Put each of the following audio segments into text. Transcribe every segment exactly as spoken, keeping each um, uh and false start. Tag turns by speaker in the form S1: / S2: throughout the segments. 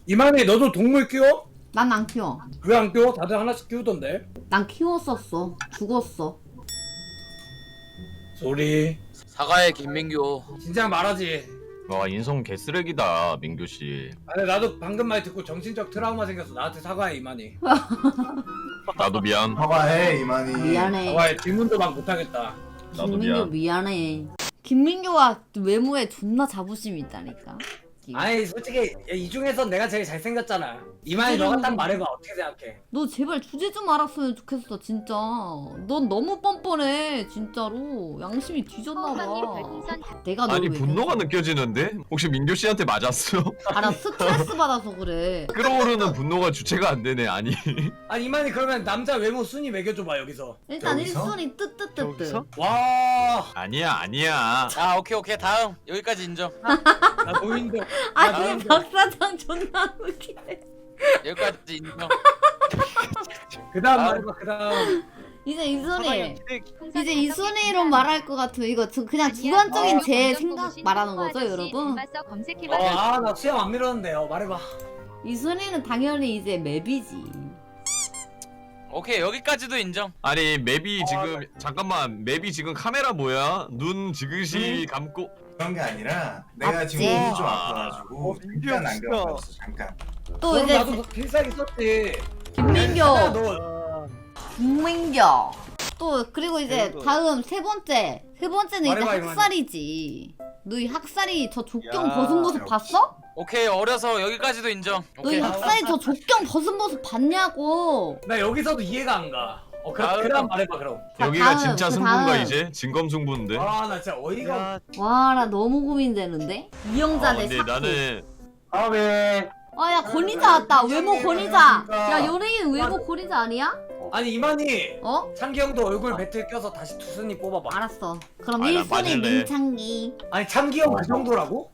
S1: 이만희 너도 동물 키워?
S2: 난 안 키워.
S1: 왜 안 키워? 다들 하나씩 키우던데.
S2: 난 키웠었어. 죽었어.
S1: 소리.
S3: 사과의 김민규.
S1: 진짜 말하지.
S4: 와 인성 개쓰레기다 민규씨.
S1: 아니 나도 방금 말 듣고 정신적 트라우마 생겼어. 나한테 사과해 이만희.
S4: 나도 미안.
S5: 사과해 이만희.
S2: 미안해.
S1: 사과해. 질문도 막 못하겠다.
S4: 나도
S2: 김민규
S4: 미안.
S2: 미안해. 김민규가 외모에 존나 자부심이 있다니까.
S1: 아니 솔직히 이 중에서 내가 제일 잘생겼잖아. 이만희 너가 딱 말해봐. 어떻게 생각해?
S2: 너 제발 주제 좀 알았으면 좋겠어 진짜. 넌 너무 뻔뻔해 진짜로. 양심이 뒤졌나봐. 내가 너를
S4: 아니
S2: 왜
S4: 분노가
S2: 그랬어?
S4: 느껴지는데? 혹시 민규씨한테 맞았어?
S2: 알아 스트레스 받아서 그래.
S4: 끓어오르는 분노가 주체가 안 되네. 아니
S1: 아니 이만희 그러면 남자 외모 순위 매겨줘봐 여기서.
S2: 일단
S5: 여기서?
S2: 일 순위 뜨뜨뜨뜨.
S6: 여기서?
S1: 와.
S4: 아니야 아니야.
S3: 아 오케이 오케이 다음 여기까지 인정.
S1: 나 노인도.
S2: 아니
S1: 나도-
S2: 박 사장 존나 웃기네.
S3: 여기까지 인정.
S1: 그다음
S3: 아.
S1: 말해봐. 그다음.
S2: 이제 이 순위.
S6: 기대-
S2: 이제 이 순위로 말할 것 같으면 이거 저 그냥 주관적인 제 생각 말하는 거죠 여러분?
S1: 아 나 수염 안 밀었는데요. 말해봐.
S2: 이 순위는 당연히 이제 맵이지.
S3: 오케이 여기까지도 인정.
S4: 아니 맵이 지금 잠깐만 맵이 지금 카메라 뭐야? 눈 지그시 감고
S5: 그런 게 아니라 내가
S2: 맞지?
S5: 지금 몸이 좀
S1: 어,
S5: 아파가지고 잠깐
S6: 민규
S5: 안경 꼈어 잠깐.
S2: 또
S1: 그럼
S2: 이제
S1: 나도 필살기 썼지.
S2: 김민규,
S1: 너
S2: 김민규. 또 그리고 이제
S6: 그리고-
S2: 다음 세 번째. 세 번째는 이제
S1: 말해봐, 이만희.
S2: 학살이지. 너 이 학살이 저 족경
S6: 야,
S2: 벗은 모습
S5: 역시.
S2: 봤어?
S3: 오케이 어려서 여기까지도 인정.
S2: 너 이
S3: 오케이.
S2: 학살이 저 족경 벗은 모습 봤냐고.
S1: 나 여기서도 이해가 안 가. 어 그,
S3: 다음.
S1: 그다음 말해봐 그럼.
S2: 자,
S4: 여기가
S2: 다음,
S4: 진짜
S2: 그
S4: 승부인가
S2: 다음.
S4: 이제? 진검승부인데?
S1: 아 나 진짜 어이가 없.
S6: 야,
S2: 와 나 너무 고민되는데.
S4: 아
S2: 이영자 대
S4: 근데
S2: 샤크.
S4: 나는
S1: 다음에.
S2: 아야 권위자 왔다. 외모
S5: 민정이
S2: 권위자.
S5: 그러니까.
S2: 야 연예인 외모 권위자 아니야?
S1: 아니 이만희.
S2: 어?
S1: 창기 형도 얼굴 배틀 껴서 다시 투순위 뽑아봐.
S2: 알았어. 그럼
S4: 아, 나
S2: 일 순위
S4: 맞을래.
S2: 민창기.
S1: 아니 창기 형 그 정도라고?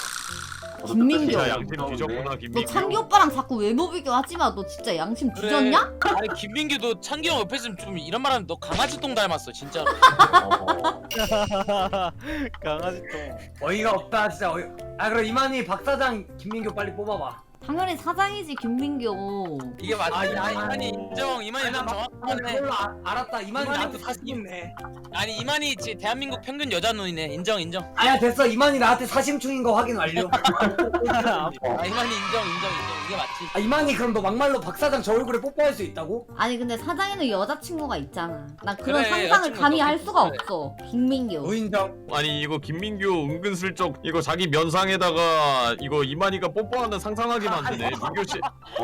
S2: 김민규.
S4: 진짜 양심 뒤졌구나
S2: 너
S4: 김민규.
S2: 창기 오빠랑 자꾸 외모 비교하지 마. 너 진짜 양심
S3: 그래.
S2: 뒤졌냐?
S3: 아니 김민규 너 창기 형 옆에 있으면 좀 이런 말하면 너 강아지 똥 닮았어 진짜로.
S6: 강아지 똥.
S1: 어이가 없다 진짜 어이. 아 그럼 이만희 박 사장 김민규 빨리 뽑아봐.
S2: 당연히 사장이지 김민규.
S3: 이게 맞지.
S1: 아,
S3: 아,
S1: 아,
S3: 이만희 인정. 이만희
S1: 나
S3: 좀
S1: 막- 아,
S3: 정확하네.
S1: 그걸로 아, 알았다. 이만희
S3: 이만희
S1: 나한테
S3: 그
S1: 사십 있네.
S3: 아니 이만희 지 대한민국 평균 여자 눈이네. 인정 인정.
S1: 아야 됐어. 이만희 나한테 사심충인 거 확인 완료.
S3: 아 이만희 인정 인정 인정. 이게 맞지.
S1: 아 이만희 그럼 너 막말로 박 사장 저 얼굴에 뽀뽀할 수 있다고?
S2: 아니 근데 사장에는 여자친구가 있잖아. 난 그런
S3: 그래,
S2: 상상을
S3: 여자친구
S2: 감히 할
S3: 있어.
S2: 수가
S3: 그래.
S2: 없어. 김민규.
S1: 노인정.
S4: 아니 이거 김민규 은근슬쩍 이거 자기 면상에다가 이거 이만희가 뽀뽀하는 상상하게 만드네 민규씨.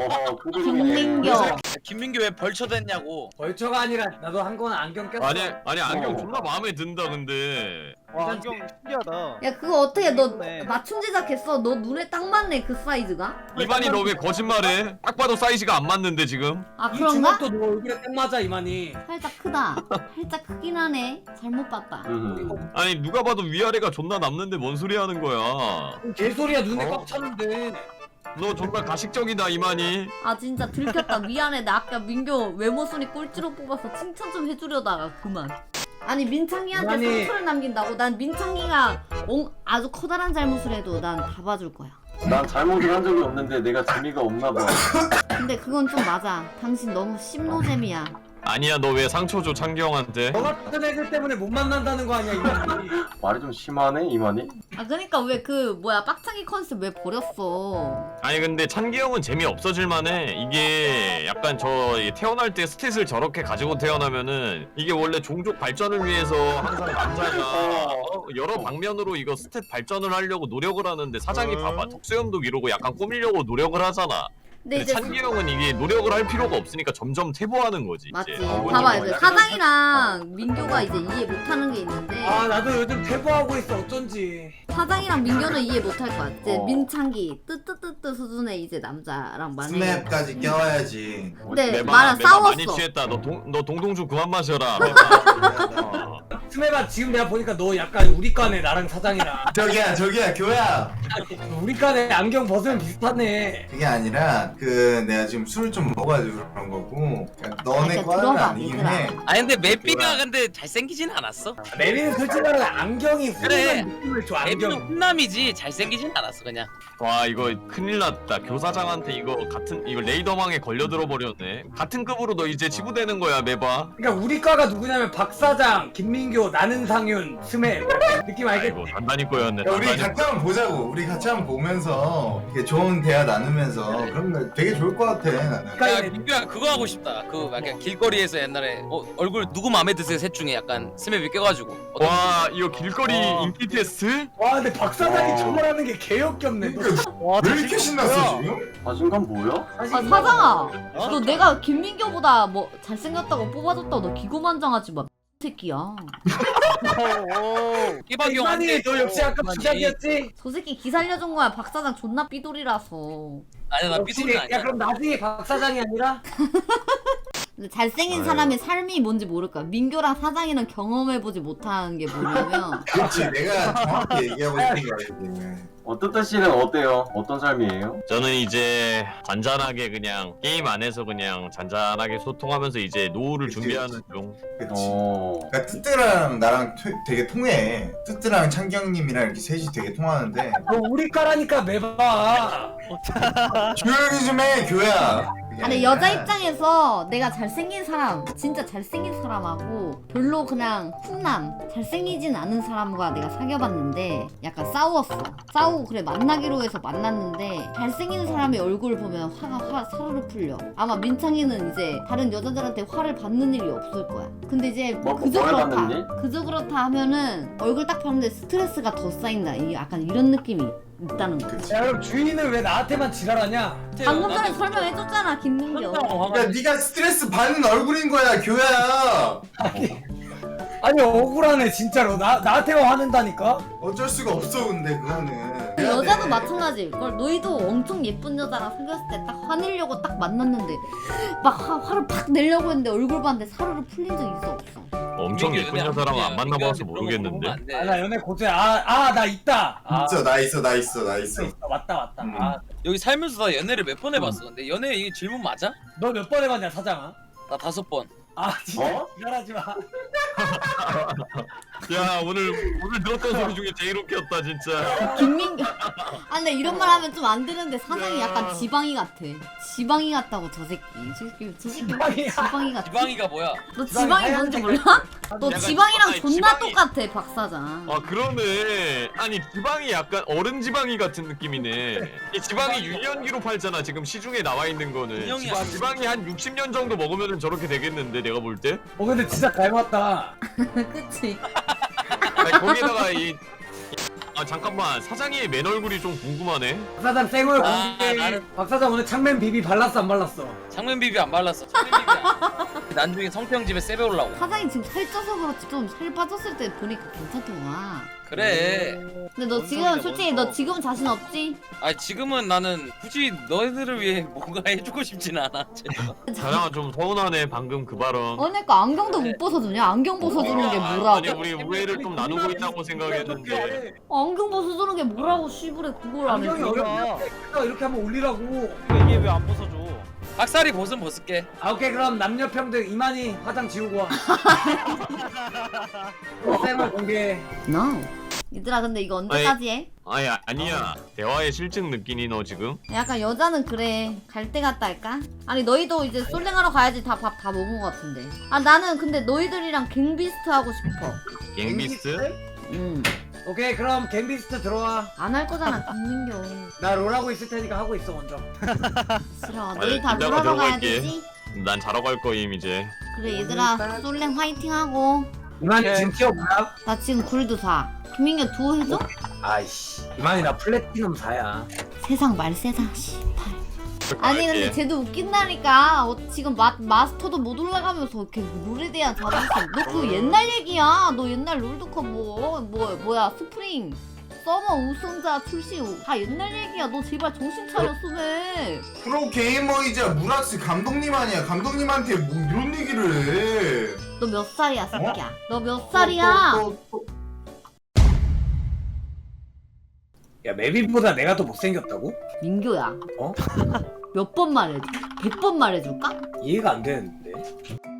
S2: 김민규.
S3: 김민규 왜 벌쳐댔냐고.
S1: 벌초가 아니라 나도 한 건 안경 꼈어.
S4: 아니 아니 안경 존나 마음에 든다 근데.
S6: 와 안경 신기하다.
S2: 야 그거 어떻게 너
S6: 네.
S2: 맞춤 제작했어? 너 눈에 딱 맞네 그 사이즈가?
S4: 이만희 너 왜 거짓말해? 딱 봐도 사이즈가 안 맞는데 지금.
S2: 아
S1: 이
S2: 그런가?
S1: 주먹도 너 얼굴에 딱 맞아 이만희.
S2: 살짝 크다. 살짝 크긴 하네. 잘못 봤다.
S4: 아니 누가 봐도 위아래가 존나 남는데 뭔 소리 하는 거야.
S1: 개소리야 눈에
S4: 어?
S1: 꽉 찼는데.
S4: 너 정말 가식적이다 이만희.
S2: 아 진짜 들켰다. 미안해. 나 아까 민규 외모 순위 꼴찌로 뽑아서 칭찬 좀 해주려다가 그만. 아니 민창기한테
S1: 아니.
S2: 상처를 남긴다고? 난 민창기가 엉- 아주 커다란 잘못을 해도 난 다 봐줄 거야.
S7: 난 잘못을 한 적이 없는데 내가 재미가 없나 봐.
S2: 근데 그건 좀 맞아. 당신 너무 심노잼이야.
S4: 아니야 너 왜 상처 줘 창경한테?
S1: 너 같은 애들 때문에 못 만난다는 거 아니야 이만희.
S7: 말이 좀 심하네 이만희.
S2: 아 그러니까 왜 그 뭐야 빡창기 컨셉 왜 버렸어?
S4: 아니 근데 찬기 형은 재미 없어질 만해. 이게 약간 저 태어날 때 스탯을 저렇게 가지고 태어나면은 이게 원래 종족 발전을 위해서 항상 남자가 어, 여러 방면으로 이거 스탯 발전을 하려고 노력을 하는데 사장이 봐봐 턱수염도 이러고 약간 꾸미려고 노력을 하잖아.
S2: 근데
S4: 근데
S2: 이제
S4: 찬기 형은 이게 노력을 할 필요가 없으니까 점점 퇴보하는 거지.
S2: 맞지.
S4: 이제.
S7: 어,
S2: 봐봐
S7: 어,
S2: 이제
S7: 약간-
S2: 사장이랑 민규가 이제 이해 못하는 게 있는데
S1: 아 나도 요즘 퇴보하고 있어 어쩐지.
S2: 사장이랑 민규는 이해 못할 것 같아. 이제
S7: 어.
S2: 민창기 뜨뜨뜨뜨 수준의 이제 남자랑 만약에
S5: 스맵까지 껴야지.
S2: 근데
S4: 매바,
S2: 나랑
S4: 매바 많이
S2: 싸웠어.
S4: 취했다. 너 동 너 동동주 그만 마셔라. 어.
S1: 스메바 지금 내가 보니까 너 약간 우리 과네 나랑 사장이랑
S5: 저기야 저기야 교야.
S1: 우리 과네 안경 벗으면 비슷하네.
S5: 그게 아니라 그 내가 지금 술을 좀 먹어가지고 그런 거고 그러니까 너네
S2: 아,
S5: 과는
S2: 들어봐,
S5: 아니긴
S2: 얘들아.
S5: 해.
S3: 아니 근데 매삐가
S5: 뭐야?
S3: 근데 잘생기진 않았어.
S1: 내비는 솔직히 말하면 안경이
S3: 그래.
S1: 훈훈한 느낌을 줘.
S3: 매삐는
S1: 안경.
S3: 훈남이지 잘생기진 않았어 그냥.
S4: 와 이거 큰일 났다. 교사장한테 이거 같은 이거 레이더망에 걸려들어 버렸네. 같은 급으로 너 이제 지부되는 거야 매봐.
S1: 그러니까 우리 과가 누구냐면 박 사장, 김민교, 나는 상윤, 스메 느낌 알겠지?
S4: 아이고 단단히 꼬였네.
S5: 야, 우리
S4: 단단히
S5: 같이 한번 보자고. 우리 같이 한번 보면서 이렇게 좋은 대화 나누면서 그러면 되게 좋을 것 같아 나는.
S1: 그러니까
S3: 야 민규야 그거 하고 싶다. 그 약간 길거리에서 옛날에 어, 얼굴 누구 마음에 드세요 셋 중에 약간 스맵이 껴가지고. 어떤-
S4: 와 이거 길거리
S1: 와.
S4: 인기 테스트?
S1: 와 근데 박 사장이
S5: 와.
S1: 저걸 하는 게 개역겹네. 너
S6: 와,
S5: 왜 이렇게 신났어 지금?
S7: 자신감 뭐야?
S1: 사실
S2: 아
S1: 이거-
S2: 사장아 너 내가 김민교보다 뭐 잘생겼다고 뽑아줬다고 너 기고만장하지 마 새끼야.
S3: 끼박이 형
S1: 이만희
S3: 한테
S1: 너 역시
S3: 있어,
S1: 아까
S3: 이만희.
S1: 부작이었지?
S2: 저 새끼 기 살려준 거야. 박 사장 존나 삐돌이라서.
S3: 아니 나
S1: 역시
S3: 삐소리
S1: 야
S3: 아니야.
S1: 그럼 나중에 박 사장이 아니라
S2: 근데 잘생긴
S5: 아유.
S2: 사람의 삶이 뭔지 모를까. 민교랑 사장이랑 경험해보지 못한 게 뭐냐면
S5: 그렇지 내가 정확히 얘기하고 있는 거야 지금.
S7: 어떤 씨는 어때요? 어떤 삶이에요?
S4: 저는 이제 잔잔하게 그냥 게임 안에서 그냥 잔잔하게 소통하면서 이제 노후를
S5: 그치,
S4: 준비하는 중.
S5: 그치.
S7: 어.
S5: 그러니까 뜨뜨랑 나랑 토- 되게 통해. 뜨뜨랑 창경님이랑 이렇게 셋이 되게 통하는데
S1: 너 우리 과라니까 매봐.
S5: 조용히 좀 해 교야. 그게
S2: 아니
S5: 아니라
S2: 여자 입장에서 내가 잘생긴 사람 진짜 잘생긴 사람하고 별로 그냥 훈남 잘생기진 않은 사람과 내가 사귀어봤는데 약간 싸웠어. 싸우고 그래 만나기로 해서 만났는데 잘생긴 사람의 얼굴 보면 화가 화 사르르 풀려. 아마 민창이는 이제 다른 여자들한테 화를 받는 일이 없을 거야. 근데 이제
S7: 뭐,
S2: 그저
S7: 뭘
S2: 그렇다
S7: 받는 일?
S2: 그저 그렇다 하면은 얼굴 딱 봤는데 스트레스가 더 쌓인다. 이 약간 이런 느낌이 있다는 거.
S5: 그치.
S1: 야 그럼 주인은 왜 나한테만 지랄하냐?
S2: 방금 전에 설명해줬잖아 김민교.
S5: 야 네가 스트레스 받는 얼굴인 거야 교야.
S1: 아니 억울하네 진짜로. 나 나한테만 화낸다니까?
S5: 어쩔 수가 없어 근데 그거는.
S2: 그
S5: 해야
S2: 여자도
S5: 돼.
S2: 마찬가지일 걸. 너희도 엄청 예쁜 여자랑 사귀었을 때 딱 화내려고 딱 만났는데 막 화, 화를 팍 내려고 했는데 얼굴 봤는데 사르르 풀린 적 있어 없어?
S4: 엄청 예쁜 여자랑 안 만나봐서 모르겠는데.
S1: 아 나 연애 고수야. 아아 나 있다. 아,
S5: 있어 나 있어 나 있어 나 있어.
S1: 있어. 왔다 왔다.
S5: 음.
S1: 아,
S3: 여기 살면서 나 연애를 몇 번 해봤어. 근데 연애 이게 질문 맞아?
S1: 너 몇 번 해봤냐 사장아?
S3: 나 다섯 번.
S1: 아 진짜
S7: 어?
S1: 지랄하지 마.
S4: 야 오늘 오늘 들었던 소리 중에 제일 웃겼다 진짜.
S2: 김민교. 아 근데 이런 말 하면 좀 안 되는데 사장이
S4: 야.
S2: 약간 지방이 같아. 지방이 같다고 저 새끼. 저 새끼 저 새끼
S1: 지방이야.
S2: 지방이 같아.
S3: 지방이가 뭐야?
S2: 너
S1: 지방이
S2: 지방이
S1: 하얀
S2: 뭔지
S1: 색깔.
S2: 몰라? 너
S4: 약간
S2: 지방이랑
S4: 아니,
S2: 존나
S4: 지방이-
S2: 똑같아 박 사장.
S4: 아 그러네. 아니 지방이 약간 어른 지방이 같은 느낌이네. 이 지방이 유년기로 팔잖아 지금 시중에 나와 있는 거는.
S3: 유년이
S4: 지방,
S3: 아니지.
S4: 지방이 한 육십 년 정도 먹으면 저렇게 되겠는데 내가 볼 때.
S1: 어 근데 진짜 닮았다.
S2: 그치?
S4: 아니, 거기다가 이 아 잠깐만 사장의 맨 얼굴이 좀 궁금하네.
S1: 박 사장 쌩얼
S3: 아,
S1: 공개.
S3: 나는-
S1: 박 사장 오늘 창맨 비비 발랐어 안 발랐어?
S3: 장면 비비 안 발랐어. 장면 비비 안. 나중에 성평 집에 세배 올라고.
S2: 사장이 지금 살쪄서 그렇지 좀 살 빠졌을 때 보니까 괜찮더라.
S3: 그래.
S2: 근데 너
S6: 뭔
S2: 지금
S6: 소리야,
S2: 솔직히
S6: 뭔
S2: 너 지금 자신 없지?
S3: 아 지금은 나는 굳이 너희들을 위해 뭔가 해주고 싶지는 않아.
S4: 사장아 좀 서운하네 방금 그 발언.
S2: 어, 그러니까 안경도 못 벗어주냐? 안경 벗어주는 게
S4: 아니
S2: 뭐라고?
S4: 우리 우애를 좀 나누고 있다고 생각했는데.
S2: 어, 안경 벗어주는 게 뭐라고 씨부레 그걸 안
S1: 안경이
S2: 해줘?
S1: 어렵냐? 이렇게 한번 올리라고.
S6: 이게 왜 안 벗어줘?
S3: 박살이 벗은 벗을게.
S1: 아 오케이 그럼 남녀 평등 이만희 화장 지우고 와. 쌩얼 공개.
S2: No. 얘들아 근데 이거 언제까지 해?
S4: 아니 아니야 대화의 실증 느끼니 너 지금?
S2: 약간 여자는 그래 갈 때 갔다 할까? 아니 너희도 이제 솔랭하러 가야지 다 밥 다 먹은 거 같은데. 아 나는 근데 너희들이랑 갱비스트 하고 싶어.
S4: 갱비스?
S2: 음.
S1: 오케이 그럼 갬비스트 들어와.
S2: 안 할 거잖아 김민교.
S1: 나 롤하고 있을 테니까 하고 있어 먼저.
S2: 싫어. 너희 다
S4: 이따가
S2: 놀아러 가야
S4: 들어갈게.
S2: 되지?
S4: 난 자러 갈 거임 이제.
S2: 그래 얘들아 솔랭 화이팅 하고.
S1: 이만희 지금 티어 뭐야?
S2: 나 지금 골드 사. 김민규 두호 해줘?
S1: 아이씨. 이만희 나 플래티넘 사야.
S2: 세상 말세다 씨발. 아니 근데
S4: 갈게.
S2: 쟤도 웃긴다니까. 어, 지금 마, 마스터도 못 올라가면서 이렇게 롤에 대한 자부심. 너 그 옛날 얘기야. 너 옛날 롤드컵 뭐, 뭐 뭐야 스프링 서머 우승자 출시 후. 다 옛날 얘기야. 너 제발 정신 차려 수배.
S5: 프로 게이머이자 무락스 감독님 아니야. 감독님한테 뭐 이런 얘기를 해.
S2: 너 몇 살이야 새끼야? 너 몇
S5: 또,
S2: 살이야?
S5: 또, 또, 또.
S1: 야 메비보다 내가 더 못생겼다고?
S2: 민교야
S1: 어?
S2: 몇 번 말해줘? 백 번 말해줄까?
S1: 이해가 안 되는데